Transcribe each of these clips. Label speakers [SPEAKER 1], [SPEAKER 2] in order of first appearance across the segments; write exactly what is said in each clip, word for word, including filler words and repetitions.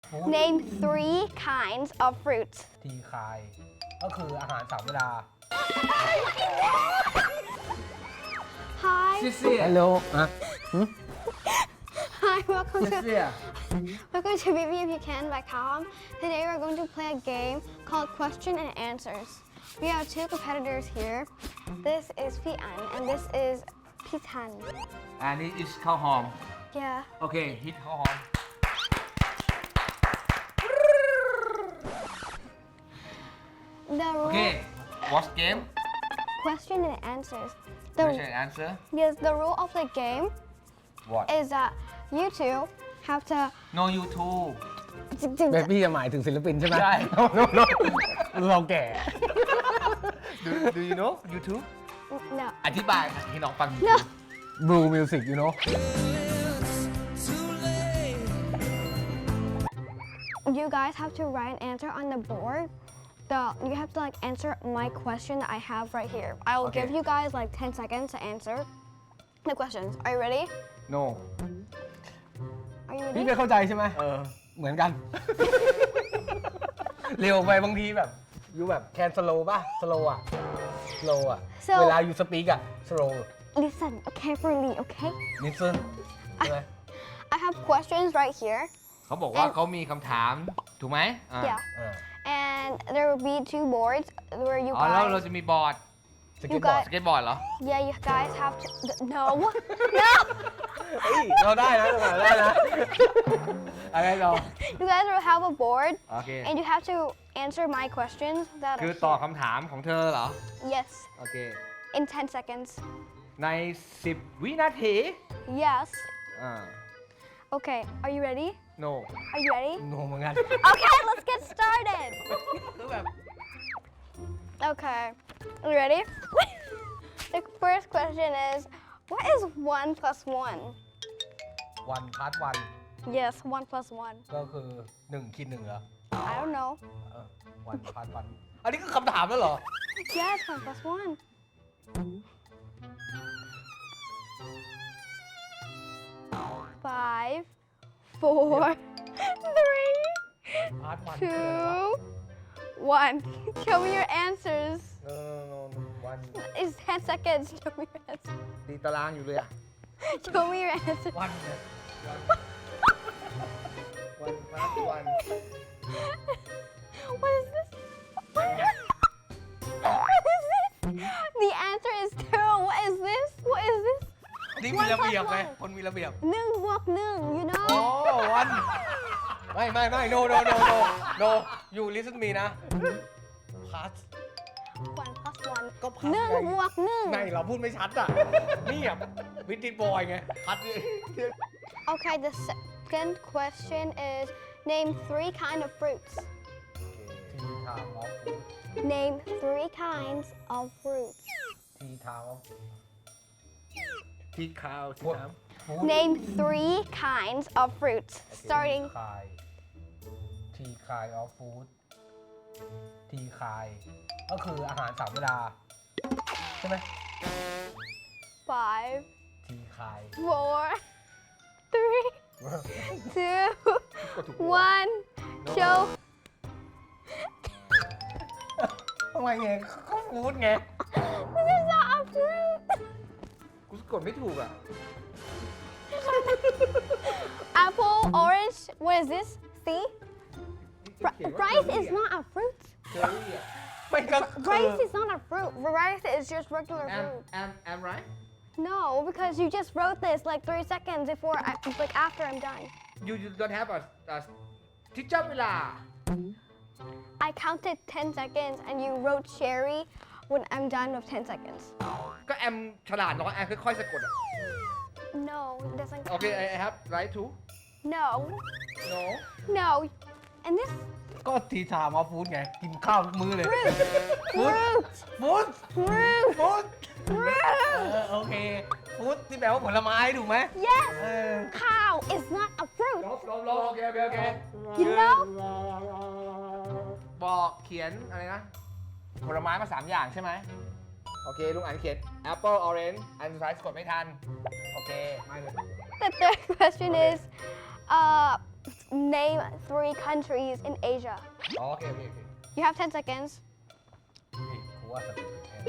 [SPEAKER 1] Name three kinds of fruits.
[SPEAKER 2] ทีคายก็คืออาหารสามเวลา
[SPEAKER 1] Hi.
[SPEAKER 3] 谢谢
[SPEAKER 2] ฮัลโหลอ่ะ
[SPEAKER 1] Hi, welcome
[SPEAKER 3] 谢
[SPEAKER 1] to
[SPEAKER 3] 谢
[SPEAKER 1] welcome to B B If You Can by Calm. Today we're going to play a game called Question and Answers. We have two competitors here. This is Pian and this is Pitan.
[SPEAKER 3] อันนี้ is ข้าวหอม
[SPEAKER 1] Yeah.
[SPEAKER 3] โอเค ฮิตข้าวหอม
[SPEAKER 1] The
[SPEAKER 3] โอ
[SPEAKER 1] rule
[SPEAKER 3] เค watch game
[SPEAKER 1] question and answers. The
[SPEAKER 3] question and answer
[SPEAKER 1] yes, the rule of the game
[SPEAKER 3] what
[SPEAKER 1] is that you two have to.
[SPEAKER 3] no YouTube
[SPEAKER 2] เบบี้จะหมายถึงศิลปินใช่ไหม
[SPEAKER 3] ใช่
[SPEAKER 2] เราแก่
[SPEAKER 3] do do you know YouTube
[SPEAKER 1] No.
[SPEAKER 3] อธิบายให้น้องฟัง
[SPEAKER 1] No.
[SPEAKER 2] Blue Music you know
[SPEAKER 1] You guys have to write an answer on the board. The you have to like answer my question that I have right here. I will
[SPEAKER 3] Okay.
[SPEAKER 1] give you guys like ten seconds to answer the questions. Are you ready?
[SPEAKER 3] no
[SPEAKER 1] Are you
[SPEAKER 2] พี่
[SPEAKER 1] ready?
[SPEAKER 2] ไม่เข้าใจใช่ไหม
[SPEAKER 3] เออ
[SPEAKER 2] เหมือนกัน เร็วไปบางทีแบบยูแบบแคนสโลป่ะสโลอ่ะสโลอ่ะ
[SPEAKER 1] So-
[SPEAKER 2] เวลายูสปีกอ่ะสโล
[SPEAKER 1] Listen carefully, okay?
[SPEAKER 2] นิสซึนใช่ไหม
[SPEAKER 1] I have questions right here.
[SPEAKER 3] เขาบอกว่า
[SPEAKER 1] And-
[SPEAKER 3] เขามีคำถาม ถูกไหมอ่ะ
[SPEAKER 1] Yeah.
[SPEAKER 2] อ่า
[SPEAKER 1] And there will be two boards where you
[SPEAKER 3] อ๋อแล้วเรา
[SPEAKER 1] guys.
[SPEAKER 3] จะมีบอร์ด
[SPEAKER 2] สเก็ตบอร์ด
[SPEAKER 3] สเก็ตบอร์ดเหรอ
[SPEAKER 1] Yeah, you guys have to. No. No.
[SPEAKER 2] เฮ้ยเราได้นะเราได้นะ อะไรเรา
[SPEAKER 1] You guys will have a board,
[SPEAKER 3] โอเค
[SPEAKER 1] and you have to answer my questions that
[SPEAKER 3] คือ
[SPEAKER 1] are
[SPEAKER 3] ตอบ
[SPEAKER 1] here.
[SPEAKER 3] คำถามของเธอเหรอ
[SPEAKER 1] Yes.
[SPEAKER 3] โอเค
[SPEAKER 1] In ten seconds.
[SPEAKER 3] ใน สิบ วินาที
[SPEAKER 1] Yes.
[SPEAKER 3] อ่า
[SPEAKER 1] Okay. Are you ready?
[SPEAKER 3] no
[SPEAKER 1] Are you ready?
[SPEAKER 2] โนเหมือนกัน
[SPEAKER 1] Okay, let's get started.
[SPEAKER 3] คือแบบ
[SPEAKER 1] Okay. Are you ready? The first question is, what is one plus one?
[SPEAKER 2] วันพาร์ทวัน
[SPEAKER 1] Yes, one plus one.
[SPEAKER 2] ก็คือหนึ่งคิดหนึ่งเหรอ
[SPEAKER 1] I don't know.
[SPEAKER 2] เออวันพาร์ทวันอันนี้คือคำถามแล้วเหรอ
[SPEAKER 1] Yes, one plus one. Five, four, three,
[SPEAKER 2] พาร์ทวัน
[SPEAKER 1] two, one. Show me your answers.
[SPEAKER 2] เออวัน
[SPEAKER 1] It's ten seconds. Show me your answers.
[SPEAKER 3] ตีตารางอยู่เลยอะ
[SPEAKER 1] Show me your answers.
[SPEAKER 2] วันเนี่ย
[SPEAKER 3] วันพาร์ทวัน
[SPEAKER 1] What is this? What is this? The answer is two. What is this? What is this?
[SPEAKER 3] นี่มีระเบียบไงคนมีระเบียบ
[SPEAKER 1] หนึ่งบวกหนึ่ง you
[SPEAKER 2] โอ้
[SPEAKER 1] know?
[SPEAKER 2] วันไม่ไม่ไม่ no no no no no you listen me นะพาร์ท
[SPEAKER 1] One plus one.
[SPEAKER 2] ก็พาร์ท
[SPEAKER 1] หนึ่ง
[SPEAKER 2] ไง
[SPEAKER 1] บวกหนึ่ง
[SPEAKER 2] ไม่เราพูดไม่ชัดอ่ะ นี่อ่ะวิติบอยไงพัดนี่
[SPEAKER 1] Okay, the second question is name three kind of fruits.
[SPEAKER 2] ทีทามออฟ
[SPEAKER 1] Name three kinds of fruits.
[SPEAKER 2] ทีทามออฟ
[SPEAKER 3] ที่ข้าวที่น้
[SPEAKER 1] Name three kinds of fruits. Starting.
[SPEAKER 2] คายทีคายออฟฟู้ดทีคายก็คืออาหารสามเวลา ใช่ไหม
[SPEAKER 1] Five,
[SPEAKER 2] ทีคาย
[SPEAKER 1] four, three, two,
[SPEAKER 3] ำก็ถูก
[SPEAKER 1] one. Show.
[SPEAKER 2] ทำไมไงก็ฟู้ดไง
[SPEAKER 1] This is not a fruit.
[SPEAKER 3] กูสะกดไม่ถูกอ่ะ
[SPEAKER 1] Apple, orange. What is this? See? Ri- rice is not a fruit.
[SPEAKER 3] เชอรี่อ่ะ
[SPEAKER 2] ไม่ก็คือ
[SPEAKER 1] Rice is not a fruit. Rice is just regular
[SPEAKER 3] am
[SPEAKER 1] fruit.
[SPEAKER 3] am am right
[SPEAKER 1] No, because you just wrote this like three seconds before, I, like after I'm done.
[SPEAKER 3] you you don't have a a ที่จับเวลา
[SPEAKER 1] I counted ten seconds and you wrote cherry when I'm done with ten seconds.
[SPEAKER 3] ก็แอมฉลาดน้อยแอมค่อยๆสะกดอ่ะ
[SPEAKER 1] No, it doesn't
[SPEAKER 3] โอเค
[SPEAKER 1] count.
[SPEAKER 3] I I have right to
[SPEAKER 1] No,
[SPEAKER 3] no
[SPEAKER 1] no. And this
[SPEAKER 2] ก็ทีทามออฟฟู้ดไง กินข้าวทุกมื้อเลย
[SPEAKER 1] fruit, fruit,
[SPEAKER 2] ฟู้ด
[SPEAKER 1] fruit,
[SPEAKER 2] ฟู้ด เอ
[SPEAKER 1] fruit.
[SPEAKER 2] อโอเคฟู้ดที่แปลว่าผลไม้ถูกไหม
[SPEAKER 1] Yes,
[SPEAKER 2] เออ
[SPEAKER 1] cow is not a fruit.
[SPEAKER 3] ลบลบลบโอเคโอเคโอเค
[SPEAKER 1] You know?
[SPEAKER 3] บอกเขียนอะไรนะ ผลไม้มาสามอย่างใช่ไหมโอเค ลุงอ่านเขียน apple orange อันสุดท้ายสะกดไม่ทัน โอเค ไม่เลย
[SPEAKER 1] The third question is, uh, name three countries in Asia.
[SPEAKER 3] อ๋อโอเคโอเคโอเค
[SPEAKER 1] You have ten seconds.
[SPEAKER 2] นี่กูว่าสติเป็นแทน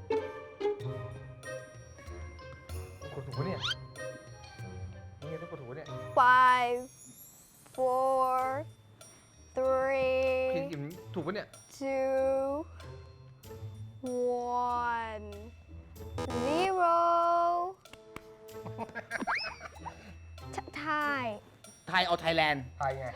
[SPEAKER 3] กดถูกปะเนี่ยนี่ไงต้องกดถูกปะเนี่ย
[SPEAKER 1] Five, four,
[SPEAKER 3] พี่
[SPEAKER 1] three,
[SPEAKER 3] กินถูกปะเนี่ย
[SPEAKER 1] two, one, zero. T- Thai.
[SPEAKER 3] ไทยเอาไทยแลนด์
[SPEAKER 2] ไทยไง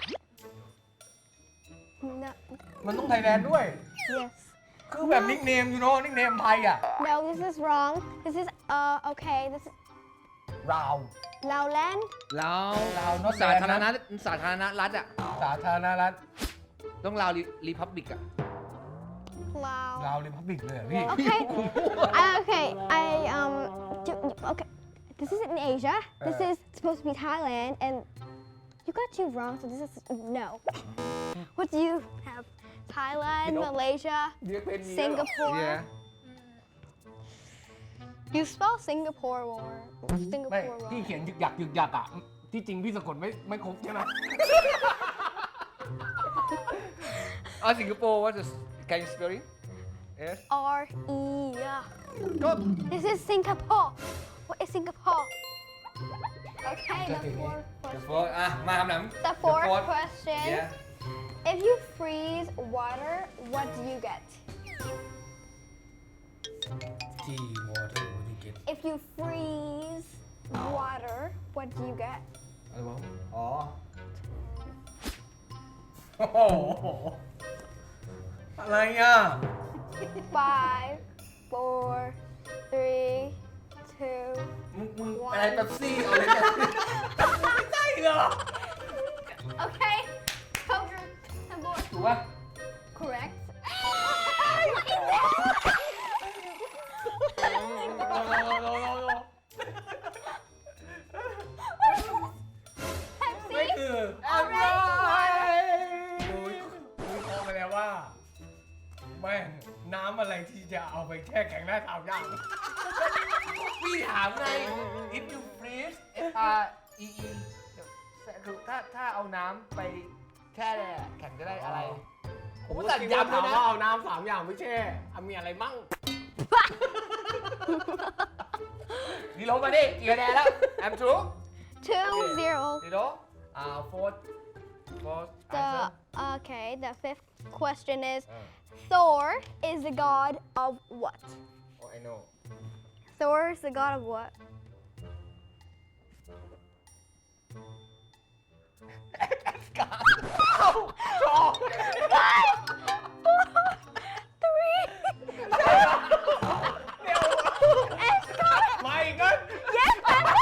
[SPEAKER 1] No.
[SPEAKER 2] มันต้องไทยแลนด์ด้วย
[SPEAKER 1] Yes.
[SPEAKER 2] คือแบบนิกเนมอยู่เนาะนิกเนมไทยอ่ะ
[SPEAKER 1] No, this is wrong. This is uh okay. This is
[SPEAKER 2] ราว
[SPEAKER 1] Laoland.
[SPEAKER 3] ลาว
[SPEAKER 2] ลาว not
[SPEAKER 3] สาธารณ
[SPEAKER 2] bad
[SPEAKER 3] รัฐสาธารณรัฐอ่ะ
[SPEAKER 2] สาธารณรัฐ
[SPEAKER 3] ต้องลาวรีพับบิกอ่ะ
[SPEAKER 1] Lao.
[SPEAKER 2] ลาวริพับบิกเลยเหรอพี่
[SPEAKER 1] Okay. I, okay. I um. do- Okay. This is in Asia. This
[SPEAKER 2] Uh.
[SPEAKER 1] is supposed to be Thailand, and you got two wrong. So this is no. What do you have? Thailand,
[SPEAKER 3] You know-
[SPEAKER 1] Malaysia,
[SPEAKER 3] เรียกเป็น
[SPEAKER 1] Singapore.
[SPEAKER 3] Yeah.
[SPEAKER 1] You spell Singapore wrong.
[SPEAKER 2] ไม่
[SPEAKER 1] Singapore
[SPEAKER 2] พี่
[SPEAKER 1] wrong.
[SPEAKER 2] เขียนยึกยักยึกยักอ่ะ ที่จริงพี่สะกดไม่ไม่ครบใช่ไหม
[SPEAKER 3] อ๋อสิงคโปร์ what is can you spell it yes
[SPEAKER 1] R E. Yeah.
[SPEAKER 3] ก็
[SPEAKER 1] This is Singapore. What is Singapore? Okay, the fourth
[SPEAKER 3] the
[SPEAKER 1] question.
[SPEAKER 3] fourth อ่ะมาคำถาม
[SPEAKER 1] The fourth
[SPEAKER 3] fourth.
[SPEAKER 1] question.
[SPEAKER 3] yeah
[SPEAKER 1] If you freeze water, what do you get?
[SPEAKER 2] ที่วอเตอร์วูดเก็ต
[SPEAKER 1] If you freeze water, what do you get?
[SPEAKER 2] อะไรวะอ๋อ โอ้โห อะไรอ่ะ
[SPEAKER 1] Five, four, three, two.
[SPEAKER 2] มึงมึงอะไรแบบซี่เอาเลยเนี่ยไม่ใช่เหรอ
[SPEAKER 1] Okay. Poker. And board.
[SPEAKER 2] ถูกป่ะ
[SPEAKER 1] Correct.
[SPEAKER 2] โลโลโลโลโลไม่
[SPEAKER 1] Pepsi.
[SPEAKER 2] คือ
[SPEAKER 1] Orange.
[SPEAKER 2] คุยคุยพอมาแล้วว่าแม่งน้ำอะไรที่จะเอาไปแช่แข็งได้สามอย่างพี่ถามไง if you freeze
[SPEAKER 3] F R E E คือถ้าถ้าเอาน้ำไปแช่แข็งจะได้อะไร
[SPEAKER 2] ผมก็สั่งย้ำเลยนะเอาน้ำสามอย่างไม่แช่เอามีอะไรมั่งนี่ลงมาดิ
[SPEAKER 3] กี่คะแนนแล้ว I'm true
[SPEAKER 1] Two, zero.
[SPEAKER 3] ดีโดอ่า fourth fourth
[SPEAKER 1] The
[SPEAKER 3] answer
[SPEAKER 1] okay. The fifth question is:
[SPEAKER 3] อ่า
[SPEAKER 1] Thor is the god of what?
[SPEAKER 3] oh I know
[SPEAKER 1] Thor is the god of what? Five, four, three, Asgard.
[SPEAKER 2] มาอีกแล้ว
[SPEAKER 1] Yes, that's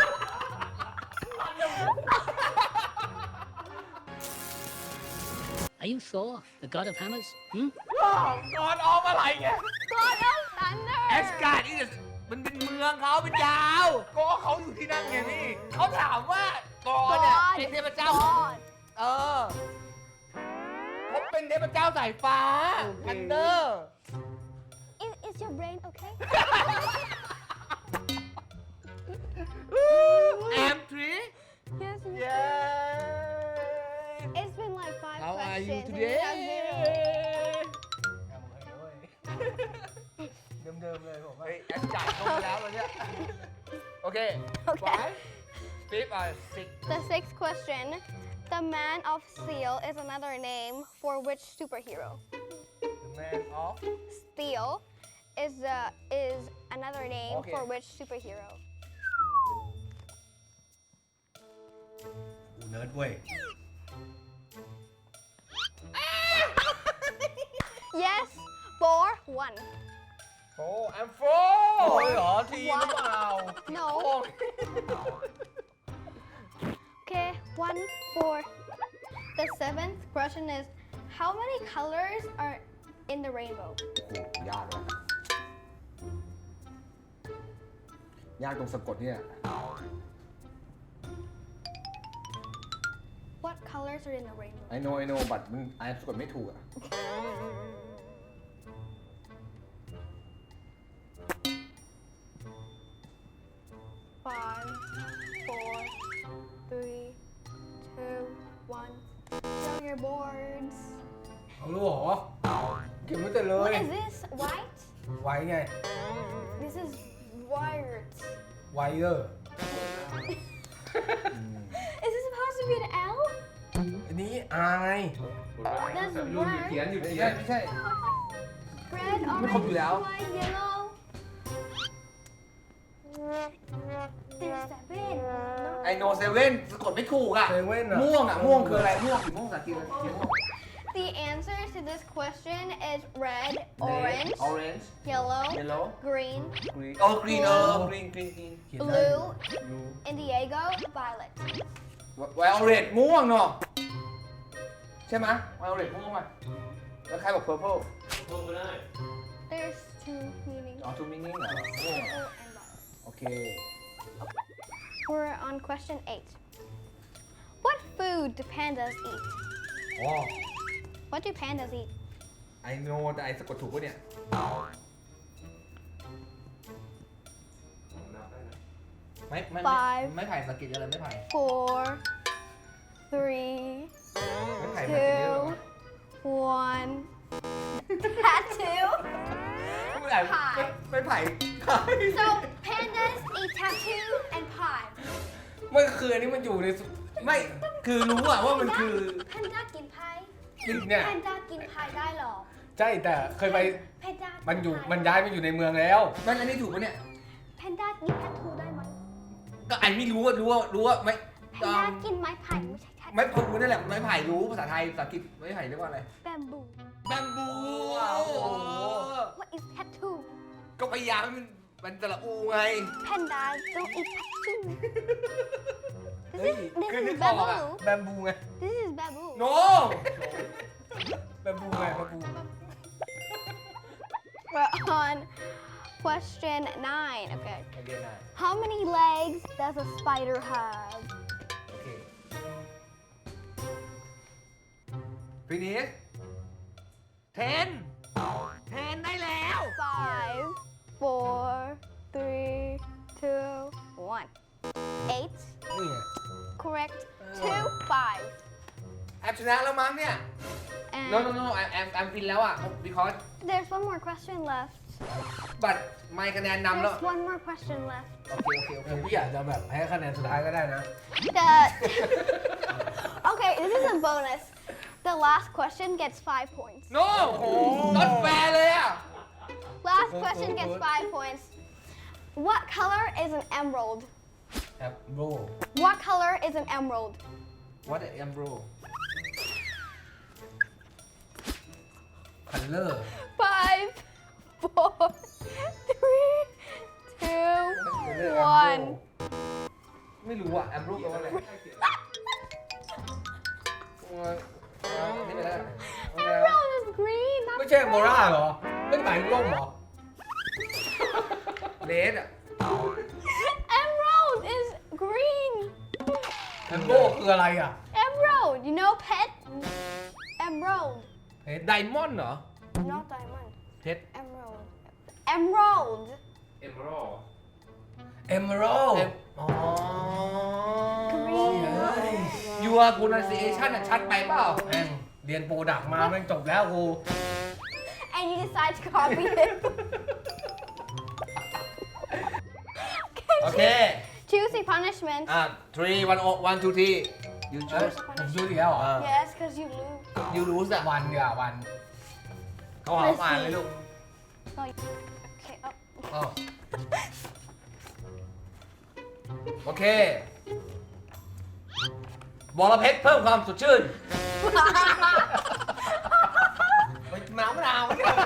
[SPEAKER 4] Are you Thor, the god of hammers? Hmm?
[SPEAKER 2] ก่อนออกอะไรเนี่ย
[SPEAKER 1] god of thunder.
[SPEAKER 3] แอสการ์ดนี่มันเป็นเมืองเขาเป็นดาว
[SPEAKER 2] ก็เขาอยู่ที่นั่นไงพี่
[SPEAKER 3] เขาถามว่าก่อนเนี่ย
[SPEAKER 1] God
[SPEAKER 3] เป็นเทพเจ้า
[SPEAKER 1] God.
[SPEAKER 3] เออเขาเป็นเทพเจ้าสายฟ้า
[SPEAKER 2] โอเค
[SPEAKER 3] อันเดอร์
[SPEAKER 1] Is, is your brain okay?
[SPEAKER 3] แอมทรี
[SPEAKER 1] Yes. you-
[SPEAKER 3] เย้
[SPEAKER 1] It's been like five
[SPEAKER 3] How are you
[SPEAKER 1] questions. and
[SPEAKER 3] today
[SPEAKER 1] you have zero.
[SPEAKER 2] เดิมๆเลยผมว่า
[SPEAKER 3] เฮ้ยแอสการ์ดเข้ามาแล้ววันเนี้ยโอเค
[SPEAKER 1] Okay.
[SPEAKER 3] five fifth or six
[SPEAKER 1] The sixth question. The Man of Steel is another name for which superhero?
[SPEAKER 3] the man of
[SPEAKER 1] Steel is uh, is another name
[SPEAKER 3] Okay.
[SPEAKER 1] for which superhero?
[SPEAKER 2] กูเนิร์ดเว้ย
[SPEAKER 1] Yes. Four, one.
[SPEAKER 3] four I'm four
[SPEAKER 2] โอ้ยเหรอทีมหรือเปล่า
[SPEAKER 1] No.
[SPEAKER 3] โอ้ย
[SPEAKER 1] Okay. One, four. The seventh question is: How many colors are in the rainbow?
[SPEAKER 3] ยากเลยยากตรงสะกดเนี่ย
[SPEAKER 1] What colors are in the rainbow?
[SPEAKER 3] I know I know but มันอ่านสะกดไม่ถูกอ่ะ
[SPEAKER 1] Five, four, three, two, your boards.
[SPEAKER 2] เอารู้เหรอเก็บไว้แต่เล
[SPEAKER 1] What
[SPEAKER 2] ย
[SPEAKER 1] is this? White?
[SPEAKER 2] ไว้ไง
[SPEAKER 1] This is wired.
[SPEAKER 2] ไวเออร์
[SPEAKER 1] Is this supposed to be an L?
[SPEAKER 2] อันนี้อาย
[SPEAKER 1] That's
[SPEAKER 3] ลุงอยู่เขียน
[SPEAKER 1] word.
[SPEAKER 3] อยู่เขียนไม่ใช่
[SPEAKER 1] Red,
[SPEAKER 3] ไม่ครบอยู่
[SPEAKER 1] orange,
[SPEAKER 3] แล้ว
[SPEAKER 1] white, yellow. There's seven.
[SPEAKER 3] ไอโนเซเว่นสะกดไม่ถูกอ่ะ
[SPEAKER 2] เซเว่นอะ
[SPEAKER 3] ม่วงอ่ะ ม่วงคืออะไร ม่วงสีม่วงภาษาอังกฤษเขียนม่วง
[SPEAKER 1] The answer to this question is red, orange,
[SPEAKER 3] orange
[SPEAKER 1] yellow,
[SPEAKER 3] yellow
[SPEAKER 1] green,
[SPEAKER 3] green โอ้ green เออ green green green
[SPEAKER 2] เขียนได้
[SPEAKER 1] blue, indigo, violet.
[SPEAKER 3] ไวโอเลตม่วงเนาะใช่ไหมไวโอเลตม่วงอ่ะแล้วใครบอก purple
[SPEAKER 1] There's two meanings.
[SPEAKER 3] อ๋อ two meaning เหรอม่วง
[SPEAKER 1] Purple and violet.
[SPEAKER 3] โอเค
[SPEAKER 1] We're on question eight. What food do pandas eat?
[SPEAKER 3] อ๋อ
[SPEAKER 1] What do pandas eat?
[SPEAKER 3] I know แต่ไอสะกดถูกปะเนี่ยไม่ไม่ไม่
[SPEAKER 1] Five
[SPEAKER 3] ไม่ไผ่สะกิดอะไรไม่ไผ่
[SPEAKER 1] Four, three,
[SPEAKER 3] ไม่ไผ่สะกิดเยอะ
[SPEAKER 1] two, one. Tattoo.
[SPEAKER 3] ไม่ไผ่
[SPEAKER 1] ไผ่
[SPEAKER 3] ไม่ไผ่
[SPEAKER 1] So pandas eat tattoo and pie.
[SPEAKER 2] ไม่คืออันนี้มันอยู่ในสุ
[SPEAKER 3] ไม่คือรู้อะว่ามันคือ
[SPEAKER 1] Panda กินพาย
[SPEAKER 2] กินเนี่ย
[SPEAKER 1] Panda กินพายได้หรอ
[SPEAKER 2] ใช่แต่เคยไป
[SPEAKER 1] Panda
[SPEAKER 2] มันอยู่มันย้ายมาอยู่ในเมืองแล้ว
[SPEAKER 3] มันอันนี้ถูกปะเนี่ย
[SPEAKER 1] Panda กิน tattoo ได้ไหม
[SPEAKER 3] ก็ไอไม่รู้ว่ารู้ว่ารู้ว่าไม่
[SPEAKER 1] Panda กินไม้ไผ่ไม่ใช่ tattoo
[SPEAKER 3] ไม่ผมนั่นแหละไม้ไผ่รู้ภาษาไทยภาษาอังกฤษไม้ไผ่เรียกว่าอะไร
[SPEAKER 1] Bamboo
[SPEAKER 3] แบมบู
[SPEAKER 1] What is tattoo
[SPEAKER 3] ก็พยายามให้มันมันตะละอูไง
[SPEAKER 1] Panda don't eat tattoo
[SPEAKER 3] เฮ้ย
[SPEAKER 1] This
[SPEAKER 3] คือ
[SPEAKER 1] is
[SPEAKER 3] นึกออกอะ
[SPEAKER 1] bamboo
[SPEAKER 2] แบมบูไง
[SPEAKER 1] This is bamboo
[SPEAKER 3] no
[SPEAKER 2] แบมบูไงแบมบู
[SPEAKER 1] We're on question nine. Okay.
[SPEAKER 3] โอเคนะ
[SPEAKER 1] How many legs does a spider have?
[SPEAKER 3] โอเค finish ten ten ได้แล้ว
[SPEAKER 1] Five, four, three, two, one. Eight.
[SPEAKER 2] นี่ไง
[SPEAKER 1] Correct. Two, five.
[SPEAKER 3] แอมชนะแล้วมั้งเนี่ย
[SPEAKER 1] And
[SPEAKER 3] no no no แอมแอมแอมฟินแล้วอ่ะ because
[SPEAKER 1] there's one more question left.
[SPEAKER 3] บัตรไม่คะแนนนำแล้ว
[SPEAKER 1] There's one more question left.
[SPEAKER 3] โอเคโอเคโอเค
[SPEAKER 2] เออพี่อยากจะแบบให้คะแนนสุดท้ายก็ได้นะ
[SPEAKER 1] The okay, this is a bonus. The last question gets five points.
[SPEAKER 3] no ต้นแฟร์เลยอ่ะ
[SPEAKER 1] Last
[SPEAKER 2] Good,
[SPEAKER 1] question
[SPEAKER 2] good,
[SPEAKER 1] gets
[SPEAKER 2] good.
[SPEAKER 1] five points. What color is an emerald?
[SPEAKER 2] แอปโบ
[SPEAKER 1] What color is an emerald?
[SPEAKER 3] what the am bro
[SPEAKER 2] คัลเลอร์
[SPEAKER 1] Five, four, three, two, one.
[SPEAKER 3] ไม่รู้อ่ะ am bro แปลว่าอะไรเออเออนี่ไปแล้ว
[SPEAKER 1] Emerald is green. Not
[SPEAKER 2] ไม่ใช่โมราเหรอไม่ได้หมายถึงร่มเหรอ
[SPEAKER 3] เลดอ่ะ
[SPEAKER 1] Emerald is green.
[SPEAKER 2] แอมโบคืออะไรอ่ะ
[SPEAKER 1] Emerald, you know pet? Emerald,
[SPEAKER 2] เพชร
[SPEAKER 3] ไดมอนด์เหรอ
[SPEAKER 1] not diamond.
[SPEAKER 3] เพชร
[SPEAKER 1] Emerald. Emerald.
[SPEAKER 3] เอมโร
[SPEAKER 2] เอมเมอรัล
[SPEAKER 3] เอ็ม
[SPEAKER 2] อ๋อ
[SPEAKER 1] Green.
[SPEAKER 2] เฮ้ย
[SPEAKER 3] your pronunciation อ่ะชัดไปเปล่า
[SPEAKER 2] แม่งเรียนโปรดักมาแม่งจบแล้วกู
[SPEAKER 1] And you decide to copy it.
[SPEAKER 3] โอเค
[SPEAKER 1] Choose a punishment.
[SPEAKER 3] อ่ะ three one one two three you
[SPEAKER 2] เอ้ย
[SPEAKER 3] choose
[SPEAKER 2] ผมซื้ออีกแล้วเหรอ
[SPEAKER 3] อ่า
[SPEAKER 1] Yes, because you lose.
[SPEAKER 3] you lose อ่ะ
[SPEAKER 2] วันเดียววันเขาหาอ่านเลยลูก
[SPEAKER 1] No, you- okay, oh.
[SPEAKER 2] อ๋อ
[SPEAKER 3] โอเคบอระเพ็ดเพิ่มความสดชื่น
[SPEAKER 2] ไปน้ำมะนาวไม่ได้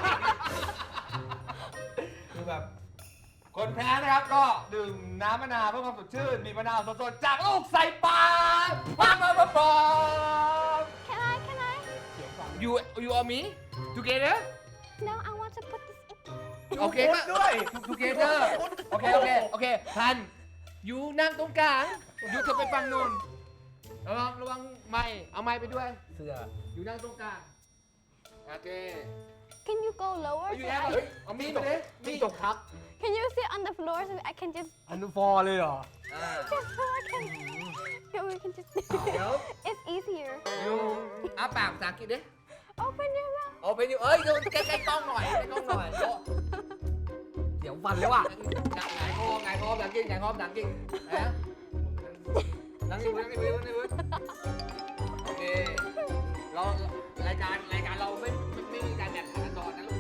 [SPEAKER 2] คือแบบ
[SPEAKER 3] คนแพ้นะครับก็ดื่มน้ำมะนาวเพื่อความสดชื่น มีมะนาวสดๆจากลูกใส่ปากปากปากปากปาก
[SPEAKER 1] Can I, can I?
[SPEAKER 3] you you or me together
[SPEAKER 1] No, I want to put this in.
[SPEAKER 3] โอเคก็ด้วย together โอเคโอเคโอเคทันยูนั่งตรงกลางยูเธอไปฟังนู่นระวังระวังไม้เอาไม้ไปด้วย
[SPEAKER 2] เสื้อ
[SPEAKER 3] ยูนั่งตรงกลางโอเค
[SPEAKER 1] Can you go lower?
[SPEAKER 3] ยู
[SPEAKER 1] so
[SPEAKER 3] แอ
[SPEAKER 1] I-
[SPEAKER 3] บเฮ้ยเอามีดมาดิมีด
[SPEAKER 2] จบครับ
[SPEAKER 1] Can you sit on the floor so I can just
[SPEAKER 2] อนุฟอร์เลยเหรอ
[SPEAKER 3] อ่า
[SPEAKER 1] just so I can Yeah, we can just.
[SPEAKER 3] เดี๋ยว
[SPEAKER 1] It's easier.
[SPEAKER 3] ยูอ้าปากภาษาอังกฤษดิ
[SPEAKER 1] Open your mouth.
[SPEAKER 3] โอเป็นอยู่เอ้ยยูใกล้ๆกล้องหน่อยใกล้ๆกล้องหน่อยโอ้เดี๋ยววันแล้วอ่ะหงายคอหงายคอภาษาอังกฤษหงายคอภาษาอังกฤษนะนั่งนี่นั่งนี่นั่งนี่โอเคเรารายการรายการเราไม่ไม่ไม่มีการแข่งขันตอนนะลูก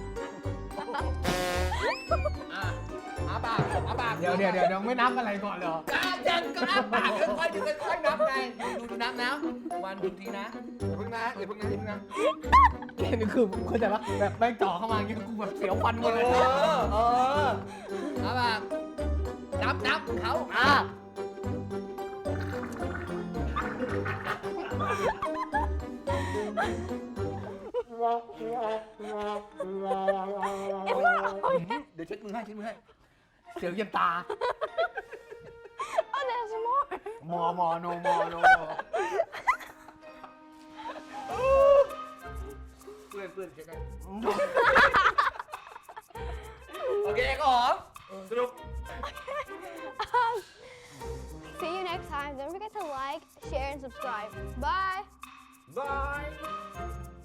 [SPEAKER 3] อ่ะอ้าปากอ้าปาก
[SPEAKER 2] เดี๋ยวเดี๋ยวเดี๋ยวเดี๋ยวไม่นับอะไรก่อนเหรอ
[SPEAKER 3] ก้าวจังก็อ้าปากค่อยๆดูค่อยๆนับไงดูดูดูนับนะวันดูทีนะอย่าเพิ่งนะอย่าเพิ่งนะอย่าเพิ่งนะ
[SPEAKER 2] นี่คือเข้าใจปะแบบแม่งจ่อเข้ามาอย่างเงี้ยกูแบบเสียวฟันหมดเลย
[SPEAKER 3] เออเอออ้าปากนับนับเขา
[SPEAKER 2] อ่ะ
[SPEAKER 3] เดี๋ยวเช็ดมือให้เช็ดมือให้
[SPEAKER 2] เสียวเย็นตา
[SPEAKER 1] Oh, there's more.
[SPEAKER 2] มอมอโนมอโนมอ
[SPEAKER 3] เพื่อนเพื่อนเช็ดให้โอเคก็หอมสรุป
[SPEAKER 1] Um, see you next time. Don't forget to like, share, and subscribe. Bye.
[SPEAKER 3] บาย